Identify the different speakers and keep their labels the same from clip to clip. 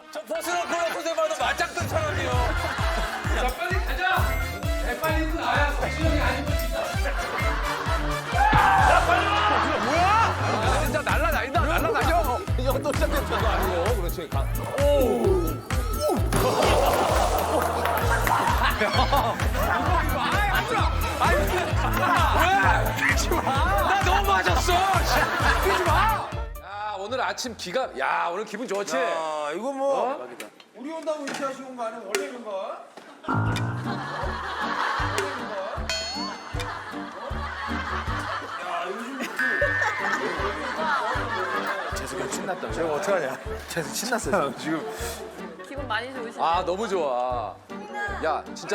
Speaker 1: 저 벗어놓고 놓고서 봐도 맞짱뜬 사람이요.
Speaker 2: 자, 빨리 가자. 빨리 입고 나야 박진영이 아니고 진짜.
Speaker 1: 야, 진짜 날라다닌다, 날라다녀. 이거 또 시작했죠. 그거 아니에요. 그렇지. 왜? 뛰지 마. 나 너무 맞았어. 뛰지 마. 야, 오늘 아침 야, 오늘 기분 좋지?
Speaker 3: 야, 이거 뭐 우리 온다고 위치하시고 온 거 아니면 원래 있는 거야?
Speaker 1: 재석이 형 신났다.
Speaker 3: 제가 어떡하냐? 계속 신났어요. 지금.
Speaker 4: 기분 많이 좋으시네.
Speaker 1: 아, 너무 좋아. 야, 진짜.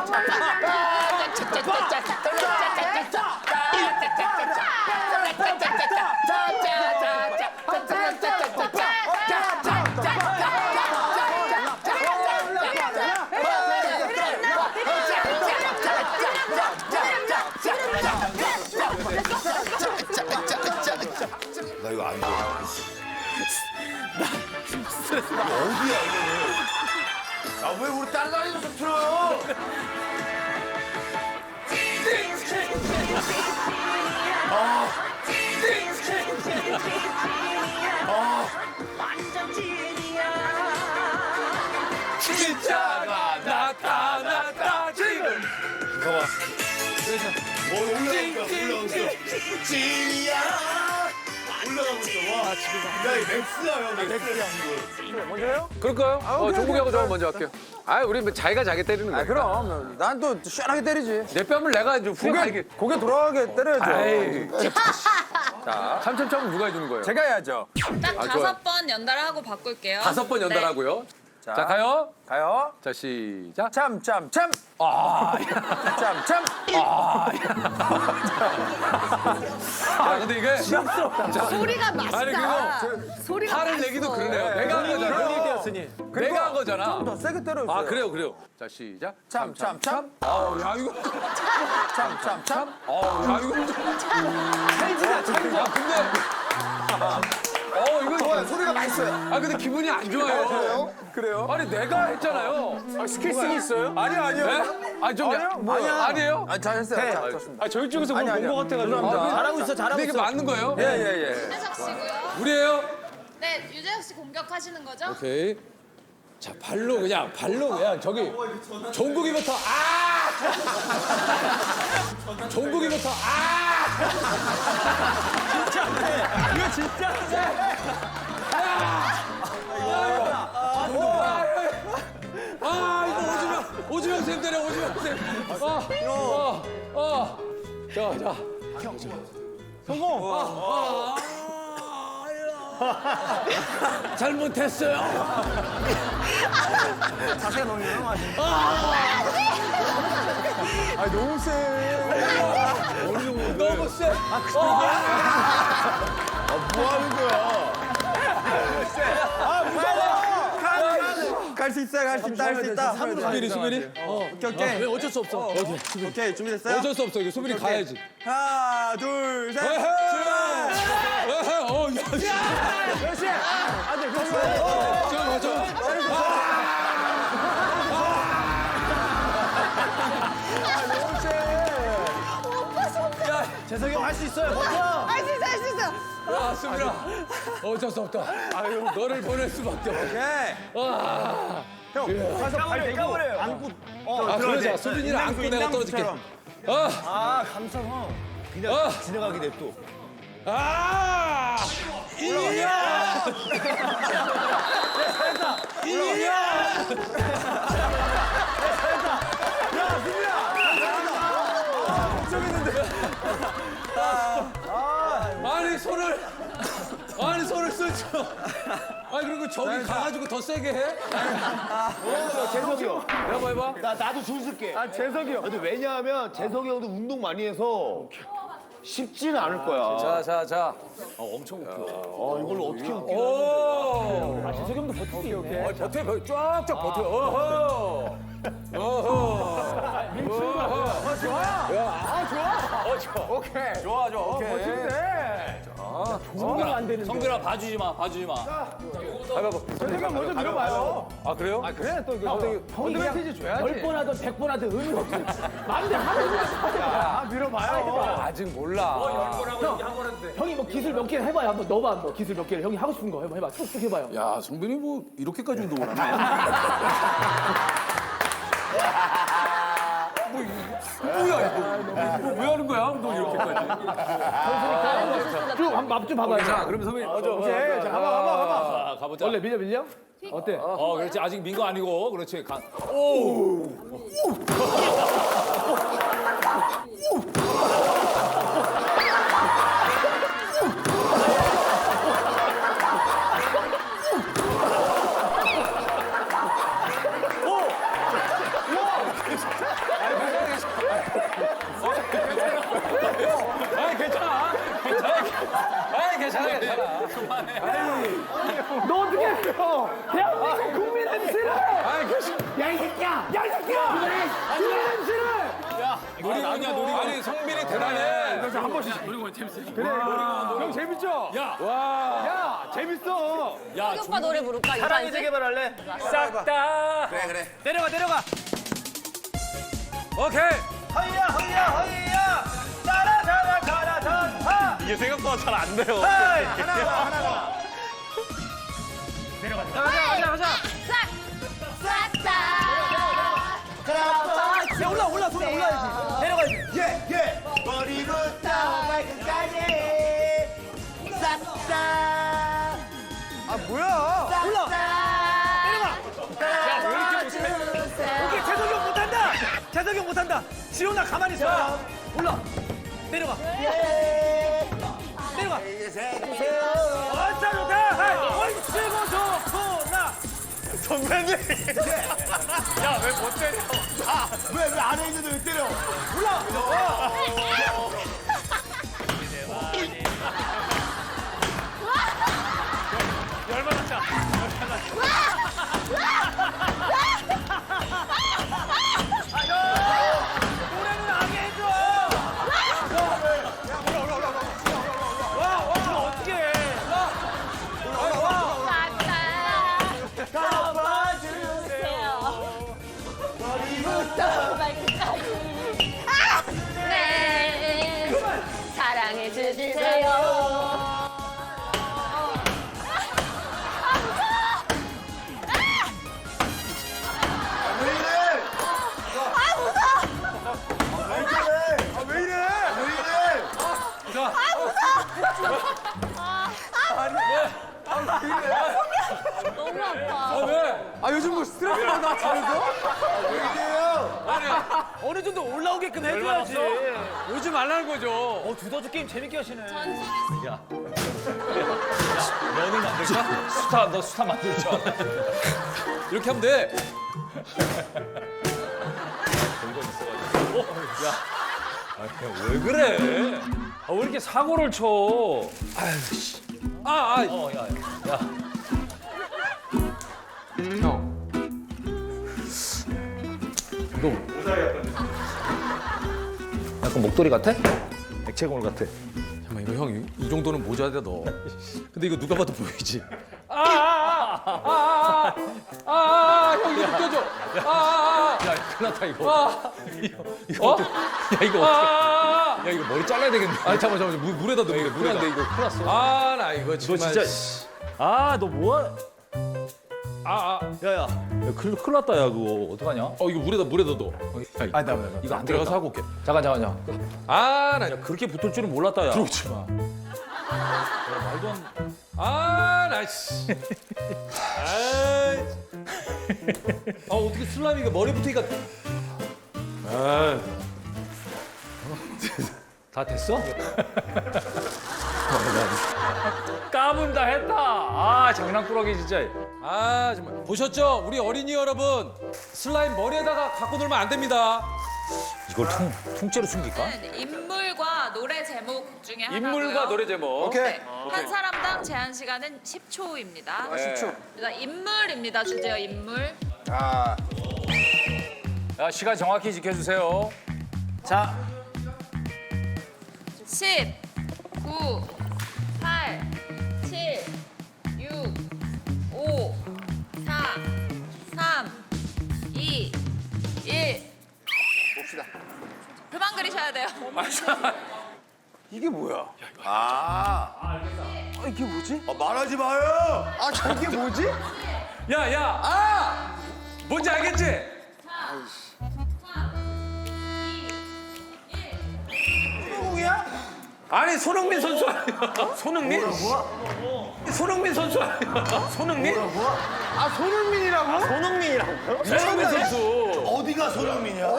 Speaker 3: 나 이거 안 돼. 나 지금 스트레스 받아. 어디야 이거는? 아, 왜 우리 따라다니면서 틀어요?
Speaker 1: 진짜가 나타났다 지금.
Speaker 3: 봐봐. 올라오고 찐이야. 올라가고 있어. 와, 지금. 야, 이 맥스야, 형. 맥스야, 지금.
Speaker 1: 먼저요? 그럴까요? 종국이하고 저 먼저 할게요. 아, 우리 뭐 자기가 자기 때리는 거야.
Speaker 3: 그럼. 난 또 시원하게 때리지.
Speaker 1: 내 뺨을 내가 좀 후하게.
Speaker 3: 고개 돌아가게 때려야죠.
Speaker 1: 아이. 자, 참참참은 누가 해주는 거예요?
Speaker 3: 제가 해야죠.
Speaker 4: 딱
Speaker 1: 좋아요.
Speaker 4: 5번 연달아하고 바꿀게요.
Speaker 1: 5번 연달하고요. 자, 가요.
Speaker 3: 가요.
Speaker 1: 자, 시작.
Speaker 3: 참.
Speaker 1: 아,
Speaker 3: 참.
Speaker 1: 야, 근데 이게
Speaker 4: 소리가 맛있다.
Speaker 1: 아니, 그리고
Speaker 4: 소리가
Speaker 1: 화를 내기도 그러네요. 내가 한 거잖아.
Speaker 3: 얘기였으니.
Speaker 1: 내가 한 거잖아.
Speaker 3: 더 세게 때려주세요.
Speaker 1: 아, 그래요. 자, 시작.
Speaker 3: 참.
Speaker 1: 아우, 야, 이거.
Speaker 3: 참.
Speaker 1: 아우, 야, 이거. 찰지다, 찰져. 근데. 이거.
Speaker 3: 좋아요. 소리가 맛있어요.
Speaker 1: 아, 근데 기분이 안 좋아요.
Speaker 3: 그래요?
Speaker 1: 아니, 내가 했잖아요.
Speaker 3: 스킬스는 있어요? 아니요.
Speaker 1: 네? 아, 좀. 아니에요?
Speaker 3: 아, 잘했어요. 자, 좋습니다.
Speaker 5: 아 저희 쪽에서 뭘 본 것 같아가지고.
Speaker 3: 잘하고 있어,
Speaker 1: 근데 이게 맞는 거예요?
Speaker 3: 예.
Speaker 4: 유재석 씨고요.
Speaker 1: 우리예요?
Speaker 4: 네, 유재석 씨 공격하시는 거죠?
Speaker 1: 오케이. 자, 발로 그냥 저기 종국이부터 종국이부터
Speaker 5: 이거 진짜.
Speaker 1: 이거 오지명 쌤 때려, 오지명 쌤. 자. 성공. 잘못했어요.
Speaker 3: 자세가 너무 유명하지. 너무 세.
Speaker 1: 너무 쎄.
Speaker 3: 뭐 하는 거야? 갈 수 있다.
Speaker 1: 수빈이?
Speaker 3: 오케이.
Speaker 1: 어쩔 수 없어.
Speaker 3: 오케이, 준비됐어요?
Speaker 1: 어쩔 수 없어. 이거 수빈이 가야지.
Speaker 3: 하나, 둘, 셋.
Speaker 1: 에헤.
Speaker 3: 재석이 형 할 수 있어요. 버텨.
Speaker 4: 할 수 있어.
Speaker 1: 야, 수빈아. 어쩔 수 없다. 너를 보낼 수밖에 없어.
Speaker 3: 오케이. 형, 가서 발 대고 안고.
Speaker 1: 그러자. 수빈이를 안고 내가 떨어질게.
Speaker 3: 감사형.
Speaker 1: 어.
Speaker 3: 지나가게 냅둬.
Speaker 1: 이야! 아니 손을 쓰죠. 그리고 저기 가가지고 더 세게 해?
Speaker 3: 재석이 형.
Speaker 1: 해봐.
Speaker 3: 나도 줄 쓸게.
Speaker 5: 재석이 형.
Speaker 3: 근데 왜냐하면 재석이 형도 운동 많이 해서 쉽지는 않을 거야.
Speaker 1: 자.
Speaker 3: 엄청 웃겨. 이걸로 어떻게 웃겨?
Speaker 1: 오!
Speaker 5: 재석이 형도 버티기.
Speaker 1: 버텨, 쫙쫙 버텨. 어허!
Speaker 3: 오케이. 좋아. 오케이.
Speaker 5: 성대가 안 되는데.
Speaker 2: 성근아 봐주지 마.
Speaker 5: 재석이 형 먼저 밀어봐요. 아 그래요? 아 그래 또 이거 어드밴티지 줘야지.
Speaker 6: 10번 하든 100번 하든 의미가 없어. 마음대로 하는 거야.
Speaker 5: 밀어봐요. 아직 몰라.
Speaker 6: 형이 뭐 기술 몇 개를 해봐요. 한번 넣어봐. 뭐 기술 몇 개를 형이 하고 싶은 거 해봐. 툭툭 해봐요.
Speaker 3: 야, 성빈이 뭐 이렇게까지 운동을 하네.
Speaker 1: 왜 하는 거야? 운동 이렇게까지.
Speaker 6: 쭉 한번 맛 좀 봐봐요.
Speaker 1: 자, 그럼 선배님.
Speaker 6: 오케이. 자, 가봐.
Speaker 1: 가보자.
Speaker 6: 원래 밀려? 어때?
Speaker 1: 그렇지. 아직 민 거 아니고. 그렇지. 괜찮아.
Speaker 6: 너 어떻게 했어? 대한민국 국민 MC를! 야, 이 새끼야! 국민 MC를!
Speaker 1: 놀이. 아니, 성빈이 대단해.
Speaker 6: 한 번씩. 그래, 형 재밌죠? 야, 재밌어!
Speaker 4: 우리 오빠 노래 부를까?
Speaker 5: 사랑이 재개발할래? 싹 다.
Speaker 3: 그래.
Speaker 5: 내려가.
Speaker 1: 오케이.
Speaker 5: 허이야. 따라 가라 전하. 이게 생각보다 잘 안 돼요. 하나가. 가자.
Speaker 4: 싹다
Speaker 5: 야 올라 손에 올라야지. 내려가야지.
Speaker 3: 예. 머리부터 발끝까지. 싹싹.
Speaker 5: 아 뭐야? 올라. 야, 왜 이렇게 못해? 오케이, 재석이 형 못한다. 지훈아 가만히 있어. 올라. 내려가. 좋다. 얼씨고 좋구나. 선배님. 야, 왜 못 때려?
Speaker 3: 왜 안에 있는데 왜 때려?
Speaker 5: 열받았다. 노래는 안 해줘. 와, 그럼 어떻게 해?
Speaker 4: 네 사랑해 주세요. 너무 아파.
Speaker 1: 왜?
Speaker 5: 아 요즘 뭐 스트레스 받아 집에서? 어느 정도 올라오게끔 해줘야지.
Speaker 1: 오지 말라는 거죠.
Speaker 5: 두더지 게임 재밌게 하시네.
Speaker 1: 너는 만들까? 너 수타 만들자. 이렇게 하면 돼. 왜 그래? 왜 이렇게 사고를 쳐? 아유, 씨. 야. 형. 너 약간 목도리 같아?
Speaker 5: 액체골 같아.
Speaker 1: 잠깐만, 이거 형, 이 정도는 모자다, 너. 근데 이거 누가 봐도 보이지? 형, 이거 느껴져. 야, 큰일 났다, 이거. 이거 어떡해. 야, 이거 어떡해. 야, 이거 머리 잘라야 되겠네. 아니, 잠깐만. 물에다 넣어. 이거 물에 안 돼, 이거. 큰일 났어. 나 이거 정말.
Speaker 5: 너 진짜. 너 뭐야? 야야. 큰일 났다, 야, 그거. 어떡하냐?
Speaker 1: 이거 물에다 넣어. 야,
Speaker 5: 나.
Speaker 1: 이거 안 들어가서 하고 올게.
Speaker 5: 잠깐.
Speaker 1: 나
Speaker 5: 그렇게 붙을 줄은 몰랐다, 야.
Speaker 1: 들어오지 마.
Speaker 5: 말도 안
Speaker 1: 나 씨. 어떻게 슬라임이가 머리 붙으니까. 다 됐어?
Speaker 5: 까분다 했다. 장난꾸러기 진짜.
Speaker 1: 정말. 보셨죠? 우리 어린이 여러분. 슬라임 머리에다가 갖고 놀면 안 됩니다.
Speaker 5: 이걸 통째로 숨길까?
Speaker 4: 네, 인물과 노래 제목 중에 하나고요.
Speaker 1: 인물과 노래 제목.
Speaker 4: 네, 한 사람당 제한 시간은 10초입니다.
Speaker 1: 10초.
Speaker 4: 인물입니다. 주제요 인물.
Speaker 5: 야, 시간 정확히 지켜주세요. 자,
Speaker 4: 10, 9, 8, 7, 6, 5, 4, 끓이셔야 돼요.
Speaker 3: 이게 뭐야? 이게 뭐지? 말하지 마요. 저게 뭐지?
Speaker 1: 야. 뭔지 알겠지?
Speaker 3: 소공이야?
Speaker 1: 아니 손흥민 선수 아니야? 손흥민? 손흥민 선수 아니야? 손흥민?
Speaker 3: 손흥민이라고?
Speaker 1: 손흥민 선수.
Speaker 3: 어디가 손흥민이야?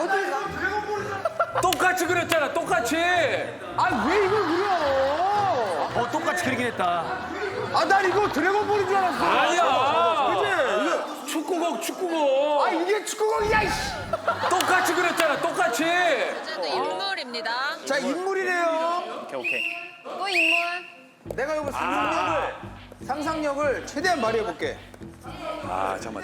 Speaker 1: 똑같이 그렸잖아. 똑같이.
Speaker 3: 왜 이걸 그려?
Speaker 5: 똑같이 그리긴 했다.
Speaker 3: 난 이거 드래곤볼인 줄 알았어.
Speaker 1: 아니야.
Speaker 3: 그치?
Speaker 1: 축구공.
Speaker 3: 이게 축구공이야, 이씨.
Speaker 1: 똑같이 그렸잖아. 똑같이.
Speaker 4: 문제도 인물입니다.
Speaker 3: 자, 인물이래요.
Speaker 5: 오케이.
Speaker 4: 또 인물.
Speaker 3: 내가 이거 상상력을 최대한 발휘해볼게. 잠깐만.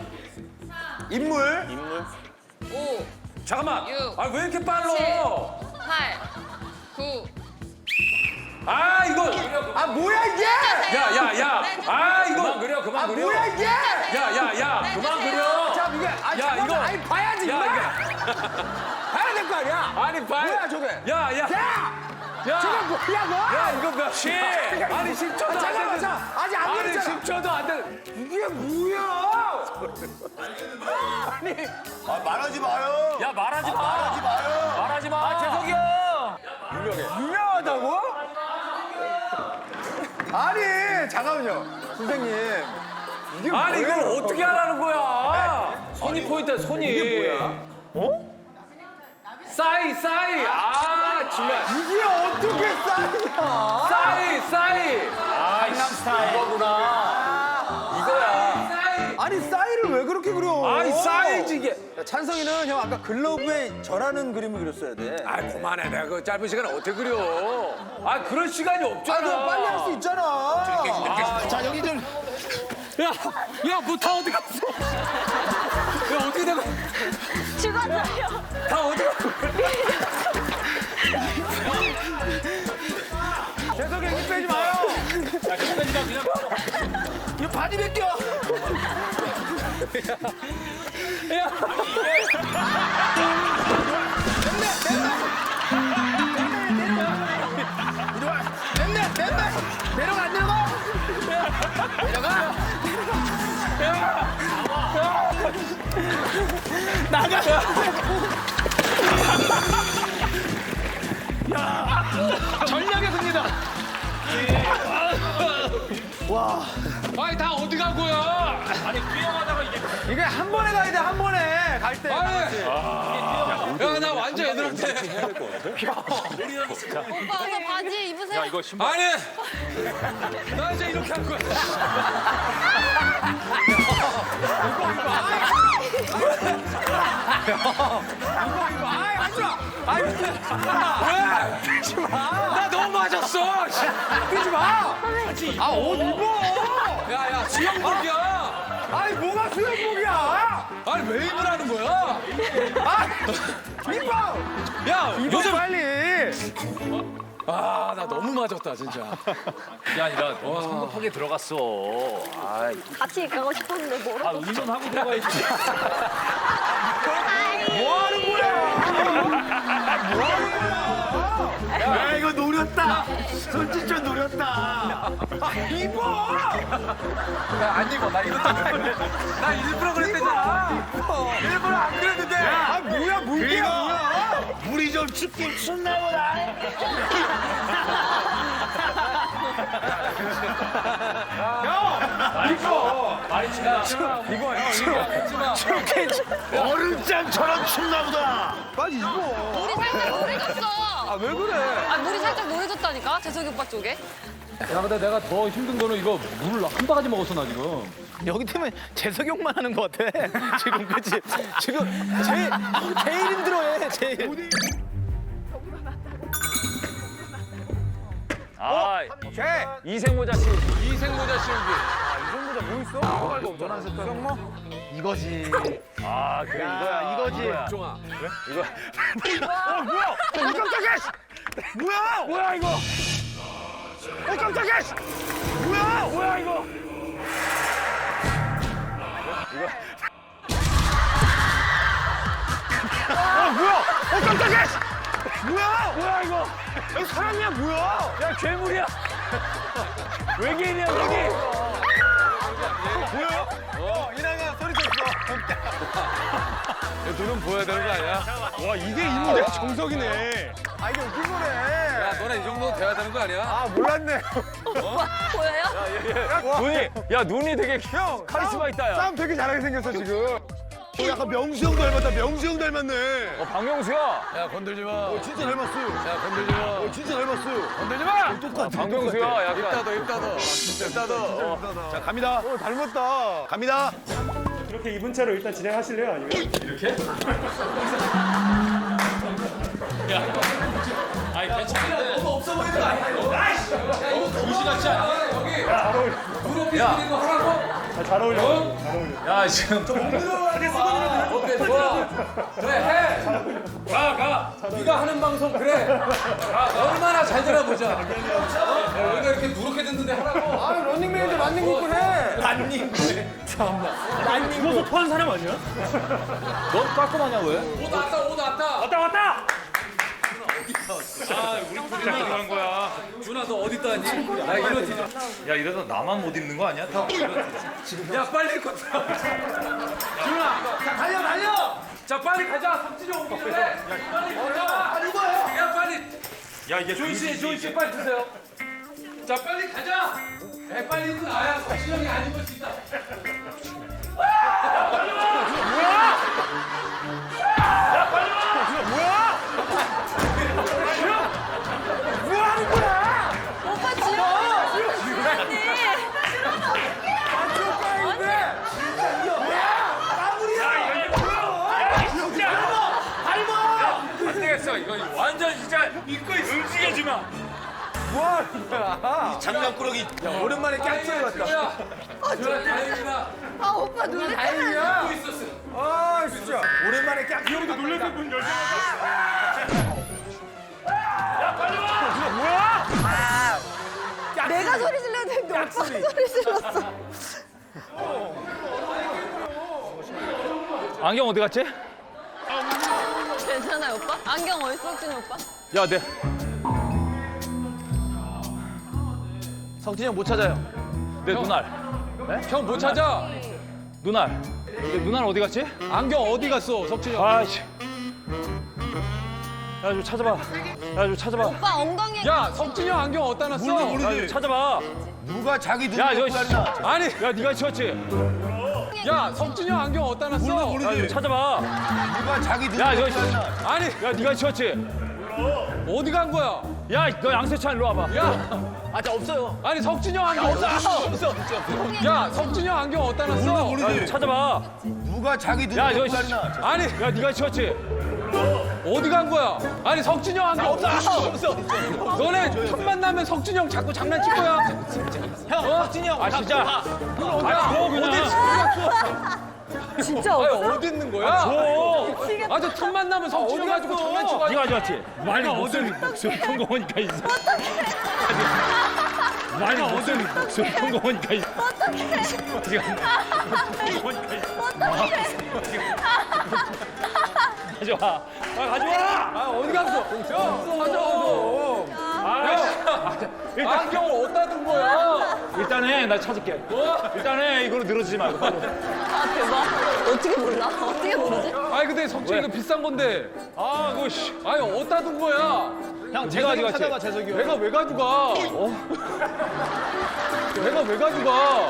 Speaker 3: 인물.
Speaker 4: 5,
Speaker 1: 잠깐만.
Speaker 4: 육,
Speaker 1: 왜 이렇게 빨라?
Speaker 4: 8, 9.
Speaker 1: 이거.
Speaker 3: 뭐야, 이게?
Speaker 1: 야. 이거. 그만 그려.
Speaker 3: 뭐야, 이게?
Speaker 1: 야. 그만 그려.
Speaker 3: 자, 이게.
Speaker 1: 야, 이거.
Speaker 3: 봐야지,
Speaker 1: 야,
Speaker 3: 봐야 될 거 아니야?
Speaker 1: 아니,
Speaker 3: 뭐야, 저게?
Speaker 1: 야.
Speaker 3: 저게 뭐야, 너?
Speaker 1: 야, 이거 몇 시? 아니, 10초도 안
Speaker 3: 잠깐만,
Speaker 1: 됐는데.
Speaker 3: 아직 안
Speaker 1: 아니,
Speaker 3: 됐잖아.
Speaker 1: 10초도 안 됐.
Speaker 3: 이게 뭐야? 말하지 마요.
Speaker 1: 야, 말하지 마.
Speaker 3: 마요.
Speaker 1: 말하지 마. 재석이 형.
Speaker 3: 유명하다고? 아니, 잠깐만요. 선생님. 이게
Speaker 1: 아니,
Speaker 3: 뭐예요?
Speaker 1: 이걸 어떻게 하라는 거야? 손이 포인트야, 손이.
Speaker 3: 이게 뭐야?
Speaker 1: 싸이. 정말.
Speaker 3: 이게 어떻게 싸이야?
Speaker 1: 싸이.
Speaker 5: 강남 스타일.
Speaker 1: 이거야.
Speaker 3: 아니, 싸이를 왜 그렇게 그려?
Speaker 1: 아니, 싸이지, 이게.
Speaker 3: 야, 찬성이는 형 아까 글러브에 절하는 그림을 그렸어야 돼.
Speaker 1: 그만해. 내가 그 짧은 시간에 어떻게 그려. 그럴 시간이 없잖아.
Speaker 3: 너 빨리 할 수 있잖아.
Speaker 5: 자, 여기 좀.
Speaker 1: 야, 뭐 다 어디 갔어? 야, 어떻게 된 거야?
Speaker 4: 죽었어요.
Speaker 1: 다 어디 갔어?
Speaker 3: 재석이 힘 빼지 마요.
Speaker 5: 이거 바지 벗겨.
Speaker 3: 내려가, 안 내려가?
Speaker 5: 전략의 승리다.
Speaker 1: 아니, 다 어디 간 거야?
Speaker 3: 이게 한 번에 가야 돼, 한 번에. 갈 때.
Speaker 1: 야, 나 완전 애들한테.
Speaker 4: 오빠 어서 바지 입으세요.
Speaker 1: 아니, 나 이제 이렇게 할 거야. 왜? 나 너무 맞았어.
Speaker 3: 뛰지 마. 옷 입어.
Speaker 1: 야, 수영복이야.
Speaker 3: 아니, 뭐가 수영복이야?
Speaker 1: 아니, 왜 입으라는 거야?
Speaker 3: 입어.
Speaker 1: 야,
Speaker 3: 입어,
Speaker 1: 요즘.
Speaker 3: 빨리.
Speaker 1: 나 너무 맞았다, 진짜.
Speaker 5: 야, 나 너무 성급하게 들어갔어.
Speaker 7: 같이 가고 싶었는데 뭐라고?
Speaker 5: 운전하고 들어가야지.
Speaker 3: 뭐 하는 거야?
Speaker 5: 야, 이거 노렸다. 손짓좀 노렸다.
Speaker 3: 입어.
Speaker 1: 안 입어, 나 이거 나 일부러 그랬대잖아.
Speaker 3: 일부러 안 그랬는데. 뭐야, 물개야, 뭐야?
Speaker 5: 물이 좀 춥긴 춥나 보다. 얼음장처럼 춥나 보다.
Speaker 3: 빨리 입어.
Speaker 4: 물이 살짝 노래졌어.
Speaker 3: 왜 그래?
Speaker 4: 물이 살짝 노래졌다니까 재석이 오빠 쪽에.
Speaker 1: 야, 근데 내가 더 힘든 거는 이거 물을 한 바가지 먹었어, 나 지금.
Speaker 5: 여기 때문에 재석형만 하는 것 같아. 지금 그치? 지금 제일 힘들어해. 제일.
Speaker 1: 이생모자 씌우기. 이생모자 씌우기.
Speaker 5: 이거지. 그래 이거야. 이거지.
Speaker 1: 종아.
Speaker 5: 깜짝이야. 뭐야 이거? 깜짝이야. 뭐야 이거? 깜짝이야.
Speaker 6: 뭐야 이거? 여기 사람이야 뭐야? 야 괴물이야. 외계인이야 외계인.
Speaker 3: 보여? 이나가 소리 쳤어.
Speaker 1: 눈은 보여야 되는 거 아니야?
Speaker 6: 와 이게 인물의 정석이네.
Speaker 3: 아, 이게 웃긴 거네.
Speaker 1: 야, 너네 이 정도 돼야 되는 거 아니야?
Speaker 3: 아, 몰랐네.
Speaker 7: 보여요?
Speaker 6: 눈이 야 눈이 되게 형 카리스마 있다 야.
Speaker 3: 싸움 되게 잘하게 생겼어, 지금. 약간 명수 형 닮았다. 명수 형 닮았네.
Speaker 6: 박명수야.
Speaker 1: 야, 건들지 마.
Speaker 3: 진짜 닮았어.
Speaker 1: 야, 건들지 마.
Speaker 3: 진짜 닮았어.
Speaker 1: 건들지 마!
Speaker 3: 똑같아.
Speaker 6: 박명수야 약간.
Speaker 1: 입 닫어.
Speaker 3: 자, 갑니다. 닮았다. 갑니다.
Speaker 5: 이렇게 2분 차로 일단 진행하실래요? 아니면?
Speaker 1: 아니, 괜찮은데. 너무 없어 보이는 거 아니야, 이거? 야, 이거 도시 같지 않아? 여기.
Speaker 5: 잘 어울려.
Speaker 1: 무릎 삐지는 거 하라고?
Speaker 5: 잘 어울려. 잘 어울려.
Speaker 1: 야, 지금 좀 들어가게 쓰고 오케이, 좋아. 그래, 해. 가. 네가 하는 방송 그래. 얼마나 잘 되나 보자. 야, 우리가 이렇게 누렇게 듣는데 하라고.
Speaker 3: 아, 런닝맨인데 런닝맨 해.
Speaker 5: 죽어서 토한 사람 아니야?
Speaker 6: 너 깔끔하냐 왜?
Speaker 1: 옷 왔다.
Speaker 5: 왔다!
Speaker 1: 아, 우리 둘이 들어간 거야. 준아, 너 어디 있다니? 야, 이러지.
Speaker 6: 야 이래서 나만 못 입는 거 아니야? 다.
Speaker 1: 야, 빨리 입고 들어. 준아, 자, 달려. 자, 빨리 가자. 석진이 오기 전에. 빨리 가자. 빨리 입어요. 야, 빨리.
Speaker 6: 야 이게
Speaker 1: 조인 씨 빨리 드세요. 자, 빨리 가자. 에, 빨리 입고 나야 석진이 형이 안 입을 수 있다.
Speaker 7: 오빠 지금
Speaker 1: 안 되겠어. 이거 완전 진짜 입고 움직이지 마.
Speaker 3: 장난꾸러기. 오랜만에 깍지를 봤다.
Speaker 1: 준아, 다행이다.
Speaker 7: 아 오빠 눈에
Speaker 1: 입고 있었어.
Speaker 3: 아, 진짜. 오랜만에 깍지. 형도 놀랬을 문 열자.
Speaker 7: 내가 소리 질러야 되는데 오빠가 소리 질렀어.
Speaker 6: 안경 어디 갔지?
Speaker 7: 괜찮아요 오빠? 안경 어딨어 석진이 오빠?
Speaker 6: 야 네. 성진이 형 못 찾아요. 내 눈알.
Speaker 1: 형 못 찾아.
Speaker 6: 눈알. 내 눈알 어디 갔지?
Speaker 1: 안경 어디 갔어, 석진이 형?
Speaker 6: 아이씨. 야 좀 찾아봐.
Speaker 7: 오빠 엉덩이에
Speaker 1: 야, 석진이 형 안경 어디다 놨어?
Speaker 6: 야 좀 찾아봐.
Speaker 3: 누가 자기 눈
Speaker 6: 야
Speaker 3: 야,
Speaker 6: 저
Speaker 1: 아니,
Speaker 6: 야 네가 치웠지?
Speaker 1: 야, 석진이 형 안경 어디다 놨어?
Speaker 6: 야 좀 찾아봐.
Speaker 3: 누가 자기 눈
Speaker 6: 야 저
Speaker 1: 아니,
Speaker 6: 야 네가 치웠지?
Speaker 1: 어디 간 거야?
Speaker 6: 야 너 양세찬 일로 와봐.
Speaker 1: 야,
Speaker 6: 아저 없어요.
Speaker 1: 아니 석진이 형 안경 어디다 놨어? 야, 석진이 형 안경 어디다 놨어?
Speaker 6: 야 좀 찾아봐.
Speaker 3: 누가 자기 눈
Speaker 6: 야 저
Speaker 1: 아니,
Speaker 6: 야 네가 치웠지?
Speaker 1: 어디 간 거야? 아니 석진이 형 안경 없어. 너네 첫 만나면 석진이 형 자꾸 장난칠 거야. 형, 석진이 형.
Speaker 6: 아 진짜. 아니 줘 그냥.
Speaker 7: 진짜
Speaker 1: 아니
Speaker 7: 없어?
Speaker 1: 어디 있는 거야?
Speaker 6: 줘.
Speaker 1: 아저 첫 만나면 석진이 형 가지고 장난치고.
Speaker 6: 네가 가져왔지? 많이 목소리 큰 거 보니까 있어. 많이 목소리 큰 거 보니까 있어. 어떡해. 가져와. 아 가져와.
Speaker 1: 아 어디 갔어? 형, 가져.
Speaker 6: 일단
Speaker 1: 안경을 어디다 둔 거야?
Speaker 6: 일단은 나 찾을게. 일단은 이걸로 늘어지지 말고. 빨리.
Speaker 7: 아 대박. 어떻게 몰라? 어떻게 모르지?
Speaker 1: 아니 근데 석진이 이거 비싼 건데.
Speaker 6: 아 그거 씨.
Speaker 1: 아니 어디다 둔 거야?
Speaker 6: 형 제가 가져갔지.
Speaker 3: 재석이 형.
Speaker 1: 내가 왜 가져가? 내가 왜 가져가?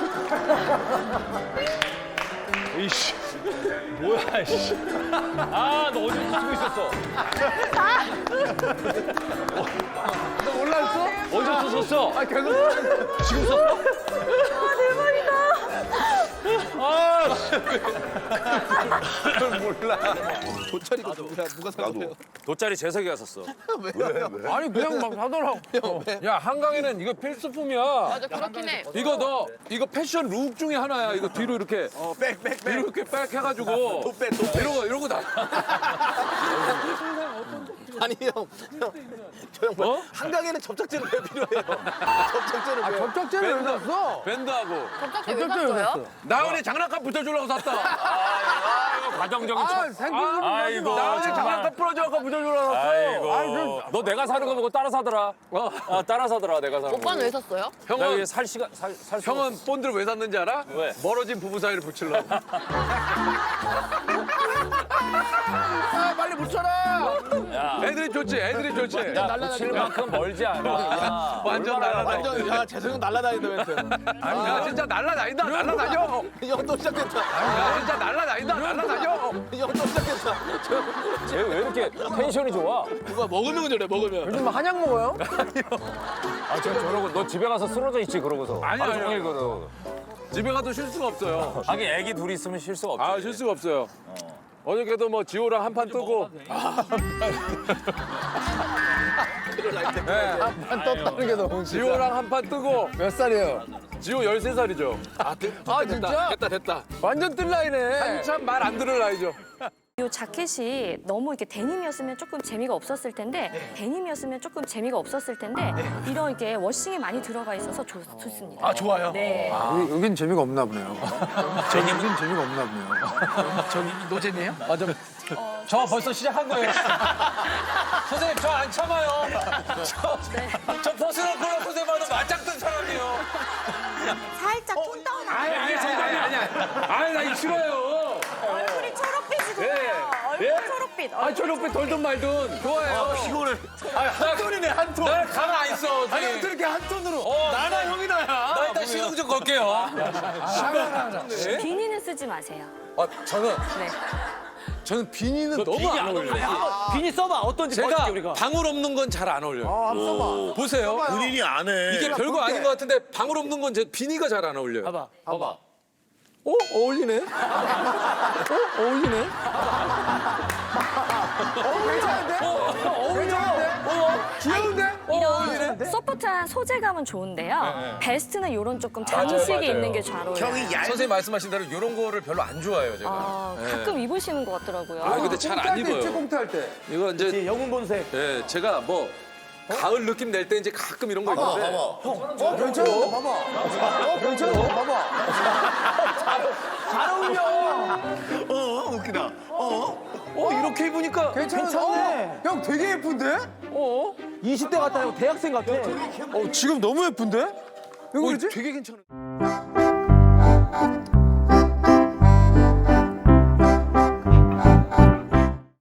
Speaker 6: 이씨. 뭐야 이씨. 아너 어디서 쓰고 있었어?
Speaker 1: 너 몰랐어?
Speaker 6: 어디서 썼어?
Speaker 1: 아 계속
Speaker 6: 지금 썼어? 아
Speaker 3: 도철이가 누가 사줘요?
Speaker 6: 돗자리 재석이가 샀어.
Speaker 1: 아니 그냥 막 하더라고. 야 한강에는 이거 필수품이야.
Speaker 4: 맞아, 그렇긴 해.
Speaker 1: 이거 너 이거 패션 룩 중에 하나야. 이거 뒤로 이렇게 이렇게 백 해가지고 이러고 나.
Speaker 3: 아니 형, 뭐? 한강에는 접착제는 왜 필요해요? 접착제는 왜?
Speaker 1: 접착제를 왜 샀어? 밴드하고.
Speaker 4: 갑자기 왜 샀어요?
Speaker 1: 나은이 장난감 붙여주려고 샀다.
Speaker 3: 가정적인
Speaker 6: 아이고.
Speaker 3: 나 어제 장난감 부러져갖고 무전으로
Speaker 6: 아이고. 너 내가 사는 거 보고 따라 사더라. 따라 사더라, 내가 사는 거.
Speaker 7: 오빠는 왜 샀어요?
Speaker 6: 나 이게 살 수가
Speaker 3: 형은 본드를 왜 샀는지 알아?
Speaker 6: 왜?
Speaker 3: 멀어진 부부 사이를 붙이려고. 아, 빨리 붙여라.
Speaker 6: 야.
Speaker 3: 애들이 좋지, 애들이 좋지.
Speaker 6: 야, 붙일 만큼 멀지 않아.
Speaker 3: 완전 날라다닌다.
Speaker 5: 야 재석형 날라다닌다 멘트.
Speaker 3: 야, 진짜 날라다닌다, 날라다녀.
Speaker 5: 형또 시작했다.
Speaker 3: 야, 진짜 날라다닌다, 날라다녀.
Speaker 5: 형또 시작했다.
Speaker 6: 쟤 왜 이렇게 텐션이 좋아?
Speaker 5: 누가 먹으면 저래 먹으면.
Speaker 7: 요즘 한약 먹어요?
Speaker 6: 아, 쟤 저러고 너 집에 가서 쓰러져 있지 그러고서.
Speaker 3: 아니야,
Speaker 6: 하루
Speaker 3: 아니야.
Speaker 6: 종일 그러고.
Speaker 3: 집에 가도 쉴 수가 없어요.
Speaker 6: 하긴 애기 둘이 있으면 쉴 수가 없지.
Speaker 3: 아, 쉴 수가 없어요. 어저께도 뭐 지호랑 한판 뜨고.
Speaker 5: 한 떴다는 게 너무.
Speaker 3: 지호랑 한판 뜨고.
Speaker 5: 몇 살이에요?
Speaker 3: 지호 13살이죠.
Speaker 5: 아 진짜?
Speaker 3: 됐다.
Speaker 5: 완전 뜰 나이네.
Speaker 3: 한참 말 안 들을 나이죠.
Speaker 8: 이 자켓이 너무 이렇게 데님이었으면 조금 재미가 없었을 텐데 데님이었으면 조금 재미가 없었을 텐데 이런 이게 워싱이 많이 들어가 있어서 좋습니다.
Speaker 5: 아 좋아요.
Speaker 8: 네.
Speaker 5: 여긴 재미가 없나 보네요. 여긴 재미가 없나 보네요. 저기 노잼이에요?
Speaker 1: 저 벌써 시작한 거예요. 선생님 저 안 참아요. 저 벗으놓고 선생님 봐도 맞짱 뜬 사람이에요.
Speaker 8: 살짝 톤 다운.
Speaker 3: 아니, 나 이거 싫어요.
Speaker 8: 얼굴이 초록빛이고요. 얼굴 초록빛.
Speaker 3: 아, 초록빛 돌든 말든 좋아요.
Speaker 5: 피곤해.
Speaker 1: 한 톤이네 한 톤. 나 가만 안 있어.
Speaker 5: 아니 어떻게 이렇게 한 톤으로?
Speaker 1: 나나 형이나야. 나 일단 시동 좀 걸게요.
Speaker 8: 비니는 쓰지 마세요.
Speaker 1: 저는
Speaker 8: 네.
Speaker 3: 저는 비니는 너무 안 어울려요.
Speaker 5: 비니 써봐 어떤지
Speaker 1: 제가
Speaker 5: 봐줄게 우리가.
Speaker 1: 방울 없는 건 잘 안 어울려요.
Speaker 5: 한번 써봐.
Speaker 1: 보세요.
Speaker 3: 본인이 안 해.
Speaker 1: 이게 별거 아닌 것 같은데 방울 없는 건 제 비니가 잘 안 어울려요.
Speaker 5: 봐봐.
Speaker 1: 어? 어울리네? 어울리네?
Speaker 5: 귀여운데?
Speaker 8: 이런 소프트한 소재감은 좋은데요. 베스트는 이런 조금 장식이
Speaker 1: 맞아요.
Speaker 8: 있는 게 잘 어울려요.
Speaker 1: 선생님 말씀하신 대로 이런 거를 별로 안 좋아해요, 제가.
Speaker 8: 가끔 입으시는 것 같더라고요.
Speaker 1: 아, 근데 잘 안 입어요.
Speaker 5: 꽁트할 때.
Speaker 1: 이거 이제
Speaker 5: 영웅 본색.
Speaker 1: 예, 제가 뭐 가을 느낌 낼 때 이제 가끔 이런 거 있는데
Speaker 5: 괜찮아. 봐봐. 괜찮아. 봐봐. 잘 어울려.
Speaker 3: 웃기다.
Speaker 1: 이렇게 입으니까
Speaker 5: 괜찮네. 형 되게 예쁜데? 20대 같아. 형 대학생 같아.
Speaker 1: 지금 너무 예쁜데?
Speaker 5: 왜 그러지?
Speaker 1: 되게 괜찮은